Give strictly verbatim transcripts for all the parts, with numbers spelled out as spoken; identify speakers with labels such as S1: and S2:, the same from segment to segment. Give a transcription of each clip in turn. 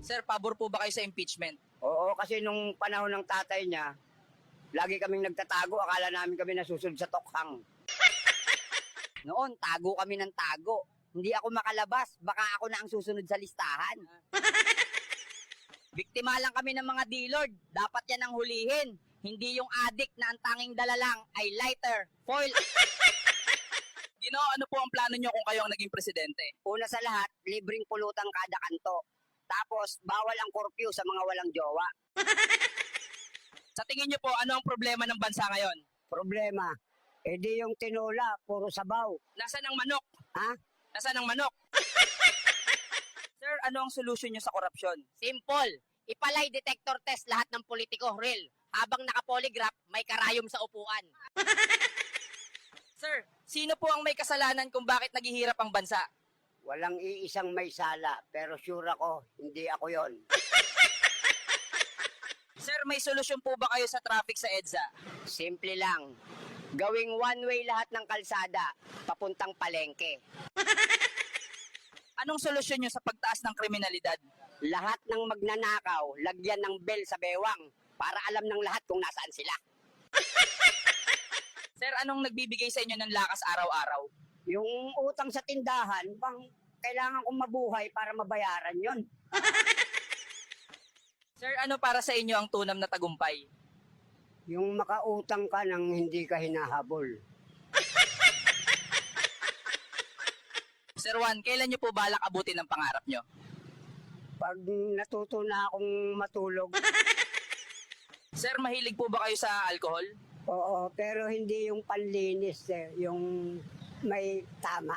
S1: Sir, pabor po ba kayo sa impeachment?
S2: Oo, kasi nung panahon ng tatay niya, lagi kaming nagtatago, akala namin kami nasusunod sa tokhang. Noon, tago kami ng tago. Hindi ako makalabas, baka ako na ang susunod sa listahan. Biktima lang kami ng mga D-Lord, dapat yan ang hulihin. Hindi yung addict na ang tanging dala lang ay lighter, foil.
S1: Gino, ano po ang plano nyo kung kayo ang naging presidente?
S2: Una sa lahat, libreng pulutan kada kanto. Tapos, bawal ang curfew sa mga walang jowa.
S1: Sa tingin nyo po, ano ang problema ng bansa ngayon?
S2: Problema, edi yung tinola, puro sabaw.
S1: Nasaan ang manok?
S2: Ha?
S1: Nasaan ang manok? Sir, ano ang solusyon nyo sa korupsyon?
S2: Simple, ipalay detector test lahat ng politiko, real. Habang nakapolygraph, may karayom sa upuan.
S1: Sir, sino po ang may kasalanan kung bakit naghihirap ang bansa?
S2: Walang iisang may sala, pero sure ako, hindi ako yon.
S1: Sir, may solusyon po ba kayo sa traffic sa EDSA?
S2: Simple lang, gawing one-way lahat ng kalsada, papuntang palengke.
S1: Anong solusyon nyo sa pagtaas ng kriminalidad?
S2: Lahat ng magnanakaw, lagyan ng bell sa bewang, para alam ng lahat kung nasaan sila.
S1: Sir, anong nagbibigay sa inyo ng lakas araw-araw?
S2: Yung utang sa tindahan, bang kailangan kong mabuhay para mabayaran yon.
S1: Sir, ano para sa inyo ang tunam na tagumpay?
S2: Yung makautang ka nang hindi ka hinahabol.
S1: Sir Juan, kailan nyo po balak abutin ang pangarap nyo?
S2: Pag natuto na akong matulog,
S1: Sir, mahilig po ba kayo sa alcohol?
S2: oo, pero hindi yung panlinis, eh, yung may tama.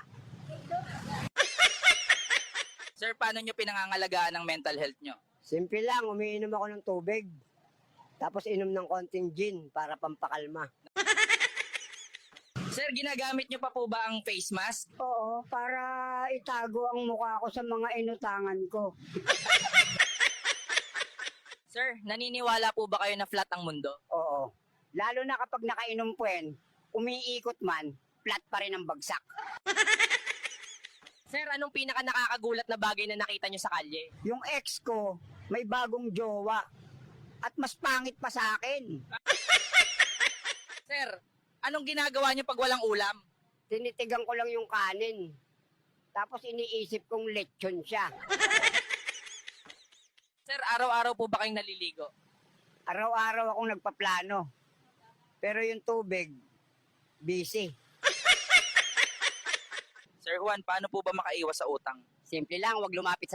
S1: Sir, paano nyo pinangangalagaan ang mental health nyo?
S2: Simple lang, umiinom ako ng tubig. Tapos inom ng konting gin para pampakalma.
S1: Sir, ginagamit nyo pa po ba ang face mask?
S2: Oo, para itago ang mukha ko sa mga inutangan ko.
S1: Sir, naniniwala po ba kayo na flat ang mundo?
S2: Oo. Lalo na kapag nakainom puwen, umiikot man, flat pa rin ang bagsak.
S1: Sir, anong pinaka nakakagulat na bagay na nakita nyo sa kalye?
S2: Yung ex ko, may bagong jowa. At mas pangit pa sa akin.
S1: Sir, anong ginagawa nyo pag walang ulam?
S2: Tinitigan ko lang yung kanin. Tapos iniisip kong lechon siya.
S1: Sir, araw-araw po ba kayong naliligo?
S2: Araw-araw akong nagpaplano. Pero yung tubig, busy.
S1: Sir Juan, paano po ba makaiwas sa utang?
S2: Simple lang, wag lumapit sa